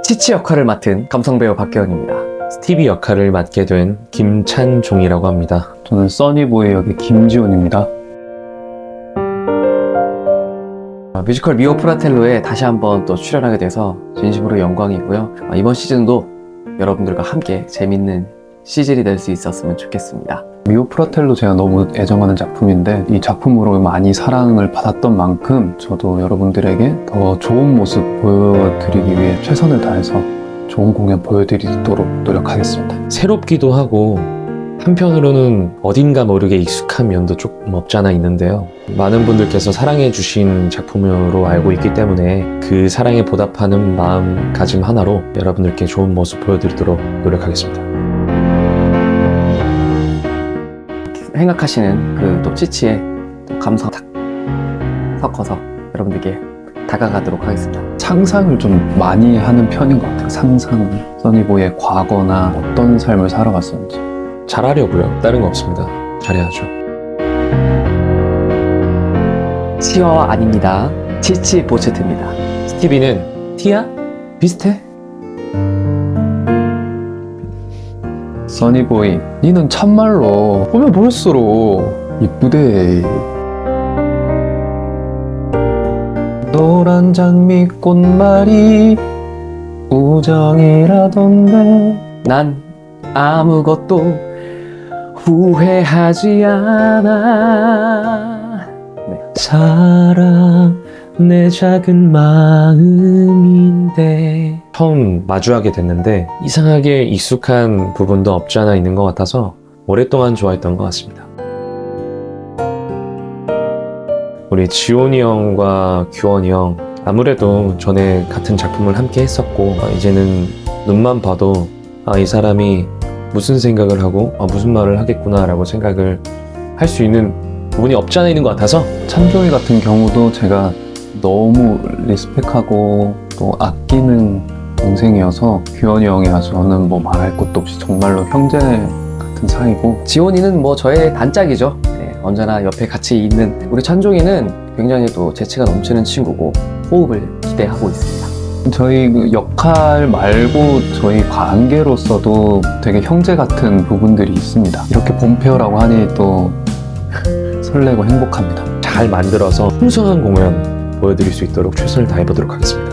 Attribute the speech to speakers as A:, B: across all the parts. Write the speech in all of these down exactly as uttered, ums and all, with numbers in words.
A: 치치 역할을 맡은 감성배우 박계원입니다.
B: 스티비 역할을 맡게 된 김찬종이라고 합니다.
C: 저는 써니보이 역의 김지훈입니다.
A: 뮤지컬 미오 프라텔로에 다시 한번 또 출연하게 돼서 진심으로 영광이고요. 이번 시즌도 여러분들과 함께 재밌는 시즌이 될 수 있었으면 좋겠습니다.
C: 미오 프라텔로 제가 너무 애정하는 작품인데 이 작품으로 많이 사랑을 받았던 만큼 저도 여러분들에게 더 좋은 모습 보여드리기 위해 최선을 다해서 좋은 공연 보여드리도록 노력하겠습니다.
B: 새롭기도 하고 한편으로는 어딘가 모르게 익숙한 면도 조금 없지 않아 있는데요. 많은 분들께서 사랑해 주신 작품으로 알고 있기 때문에 그 사랑에 보답하는 마음가짐 하나로 여러분들께 좋은 모습 보여드리도록 노력하겠습니다.
A: 생각하시는 그 또 치치의 또 감성 탁 섞어서 여러분들께 다가가도록 하겠습니다.
C: 상상을 좀 많이 하는 편인 것 같아요. 상상, 써니보이의 과거나 어떤 삶을 살아왔었는지.
B: 잘하려고요. 다른 거 없습니다. 잘해야죠.
A: 치와와 아닙니다. 치치 보체트입니다.
B: 스티비는 티야? 비슷해?
C: 써니보이, 니는 참말로 보면 볼수록 이쁘대. 노란 장미 꽃말이 우정이라던데.
A: 난 아무것도 후회하지 않아. 네.
B: 사랑 내 작은 마음인데 처음 마주하게 됐는데 이상하게 익숙한 부분도 없지 않아 있는 것 같아서 오랫동안 좋아했던 것 같습니다. 우리 지온이 형과 규원이 형 아무래도 전에 같은 작품을 함께 했었고 이제는 눈만 봐도 아, 이 사람이 무슨 생각을 하고 아, 무슨 말을 하겠구나 라고 생각을 할 수 있는 부분이 없지 않아 있는 것 같아서
C: 찬종이 같은 경우도 제가 너무 리스펙하고 또 아끼는 동생이어서 규현이 형이야 저는 뭐 말할 것도 없이 정말로 형제 같은 사이고,
A: 지온이는 뭐 저의 단짝이죠. 네, 언제나 옆에 같이 있는 우리 찬종이는 굉장히 또 재치가 넘치는 친구고 호흡을 기대하고 있습니다.
C: 저희 그 역할 말고 저희 관계로서도 되게 형제 같은 부분들이 있습니다. 이렇게 본페어라고 하니 또 설레고 행복합니다.
B: 잘 만들어서 풍성한 공연 보여드릴 수 있도록 최선을 다해보도록 하겠습니다.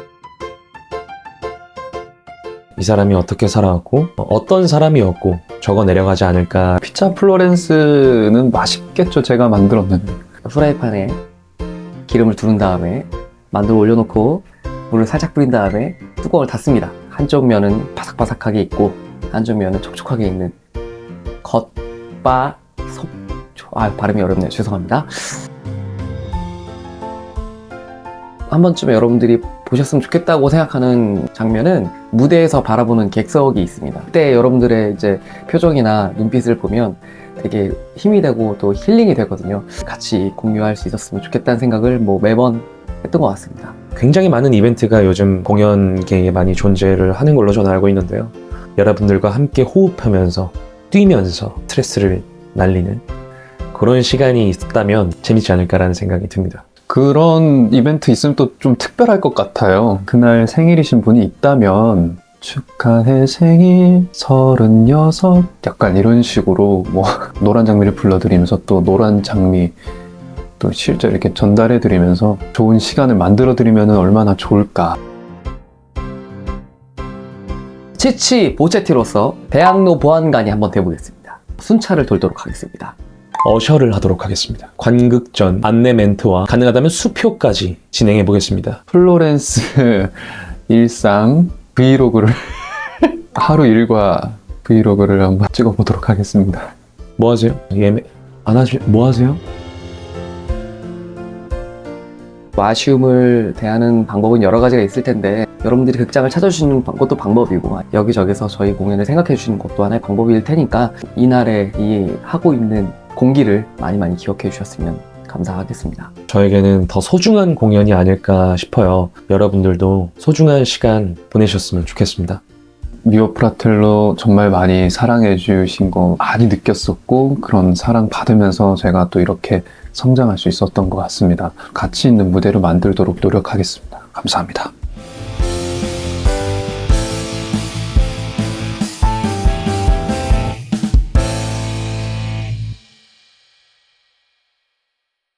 B: 이 사람이 어떻게 살아왔고 어떤 사람이었고 적어 내려가지 않을까.
C: 피자 플로렌스는 맛있겠죠. 제가 만들었는데
A: 프라이팬에 기름을 두른 다음에 만두를 올려놓고 물을 살짝 뿌린 다음에 뚜껑을 닫습니다. 한쪽 면은 바삭바삭하게 있고 한쪽 면은 촉촉하게 있는 겉바 속... 아 발음이 어렵네요. 죄송합니다. 한 번쯤 여러분들이 보셨으면 좋겠다고 생각하는 장면은 무대에서 바라보는 객석이 있습니다. 그때 여러분들의 이제 표정이나 눈빛을 보면 되게 힘이 되고 또 힐링이 되거든요. 같이 공유할 수 있었으면 좋겠다는 생각을 뭐 매번 했던 것 같습니다.
B: 굉장히 많은 이벤트가 요즘 공연계에 많이 존재를 하는 걸로 저는 알고 있는데요. 여러분들과 함께 호흡하면서 뛰면서 스트레스를 날리는 그런 시간이 있다면 재밌지 않을까라는 생각이 듭니다.
C: 그런 이벤트 있으면 또 좀 특별할 것 같아요. 그날 생일이신 분이 있다면 축하해 생일 서른여섯 약간 이런 식으로 뭐 노란 장미를 불러드리면서 또 노란 장미 또 실제 이렇게 전달해 드리면서 좋은 시간을 만들어 드리면 얼마나 좋을까.
A: 치치 보체티로서 대학로 보안관이 한번 돼보겠습니다. 순찰을 돌도록 하겠습니다.
B: 어셔를 하도록 하겠습니다. 관극전, 안내 멘트와 가능하다면 수표까지 진행해 보겠습니다.
C: 플로렌스 일상 브이로그를 하루 일과 브이로그를 한번 찍어보도록 하겠습니다.
B: 뭐 하세요? 예매 안 하시 뭐 하세요?
A: 아쉬움을 대하는 방법은 여러 가지가 있을 텐데 여러분들이 극장을 찾아주시는 것도 방법이고 여기저기서 저희 공연을 생각해 주시는 것도 하나의 방법일 테니까 이날에 이 하고 있는 공기를 많이 많이 기억해 주셨으면 감사하겠습니다.
B: 저에게는 더 소중한 공연이 아닐까 싶어요. 여러분들도 소중한 시간 보내셨으면 좋겠습니다.
C: 미오 프라텔로 정말 많이 사랑해 주신 거 많이 느꼈었고 그런 사랑 받으면서 제가 또 이렇게 성장할 수 있었던 것 같습니다. 가치 있는 무대로 만들도록 노력하겠습니다. 감사합니다.